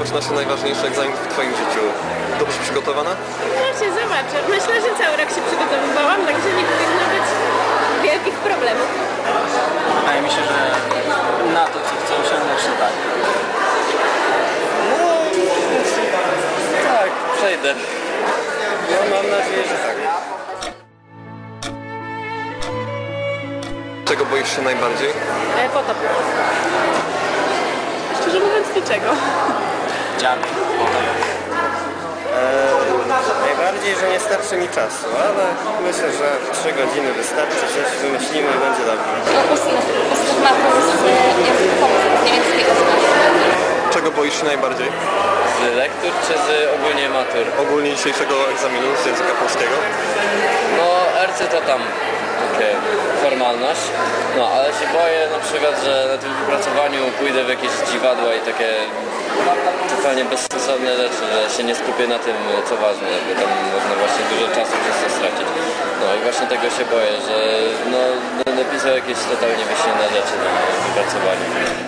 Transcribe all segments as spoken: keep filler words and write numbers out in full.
rozpoczyna się najważniejszy egzamin w Twoim życiu. Dobrze przygotowana? Właśnie, zobaczę. Myślę, że cały rok się przygotowywałam, także nie powinno być wielkich problemów. Wydaje mi się, że na to, co chcę osiągnąć, to tak. No, tak, przejdę. No, mam nadzieję, że tak. Czego boisz się najbardziej? E, potop. Szczerze mówiąc, niczego. Dziarki. Eee, najbardziej, że nie starczy mi czasu, ale myślę, że trzy godziny wystarczy, coś wymyślimy i będzie dobrze. Czego boisz się najbardziej? Z lektur czy z ogólnie matur? Ogólnie dzisiejszego egzaminu z języka polskiego? No, R C to tam, okej, formalność. No, ale się boję na przykład, że na tym wypracowaniu pójdę w jakieś dziwadła i takie totalnie bezsensowne rzeczy, że się nie skupię na tym, co ważne, bo tam można właśnie dużo czasu przez to stracić. No i właśnie tego się boję, że no, będę pisał jakieś totalnie wyśmienne rzeczy na wypracowaniu.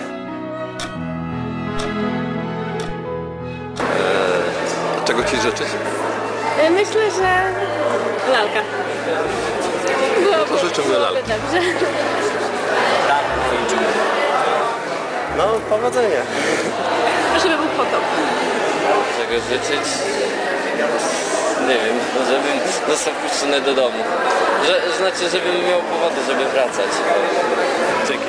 Czego Ci życzyć? E, myślę, że lalka. Byłoby, To życzymy byłoby lalki. dobrze. No, powodzenia. Żeby był potop. Czego życzyć? Nie wiem, no żebym został wpuszczony do domu. Że, znaczy, żebym miał powody, żeby wracać. Dzięki.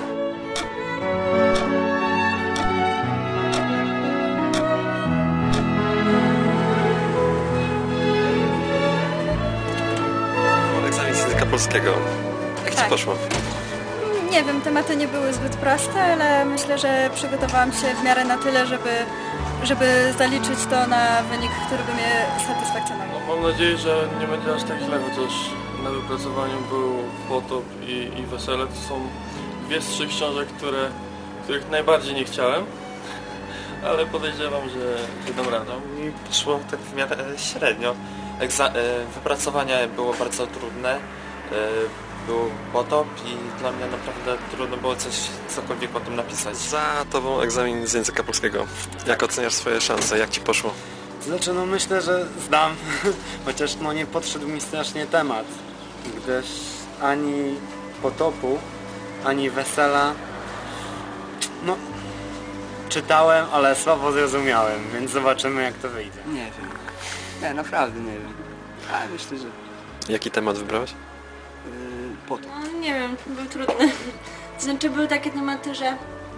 Egzamin z języka polskiego. Jak Ci Tak. poszło? Nie wiem, tematy nie były zbyt proste, ale myślę, że przygotowałam się w miarę na tyle, żeby, żeby zaliczyć to na wynik, który by mnie satysfakcjonował. Mam nadzieję, że nie będzie aż tak źle, chociaż na wypracowaniu był Potop i, i Wesele. To są dwie z trzech książek, które, których najbardziej nie chciałem, ale podejrzewam, że, że dam radę. I poszło tak w miarę średnio. Egza e, wypracowanie było bardzo trudne. E, był potop i dla mnie naprawdę trudno było coś cokolwiek o tym napisać. Za Tobą egzamin z języka polskiego. Jak oceniasz swoje szanse? Jak Ci poszło? Znaczy, no myślę, że zdam, chociaż no nie podszedł mi strasznie temat, gdyż ani Potopu, ani Wesela, no czytałem, ale słabo zrozumiałem, więc zobaczymy, jak to wyjdzie. Nie wiem. Nie, naprawdę nie wiem. Ale myślę, że Jaki temat wybrałeś? yy, Potop. No, nie wiem, był trudny. To znaczy były takie tematy, że, e,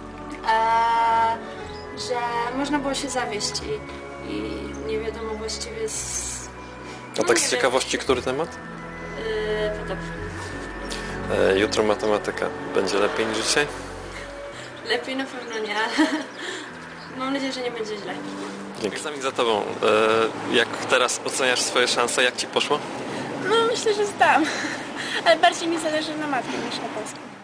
że można było się zawieść i, i nie wiadomo właściwie z... A tak z ciekawości, który temat? Yy, potop. E, jutro matematyka. Będzie lepiej niż dzisiaj? Lepiej na pewno nie, ale mam nadzieję, że nie będzie źle. Dzięki. Egzamin za Tobą. E, jak teraz oceniasz swoje szanse? Jak Ci poszło? No myślę, że zdam. Ale bardziej mi zależy na matmie niż na polskim.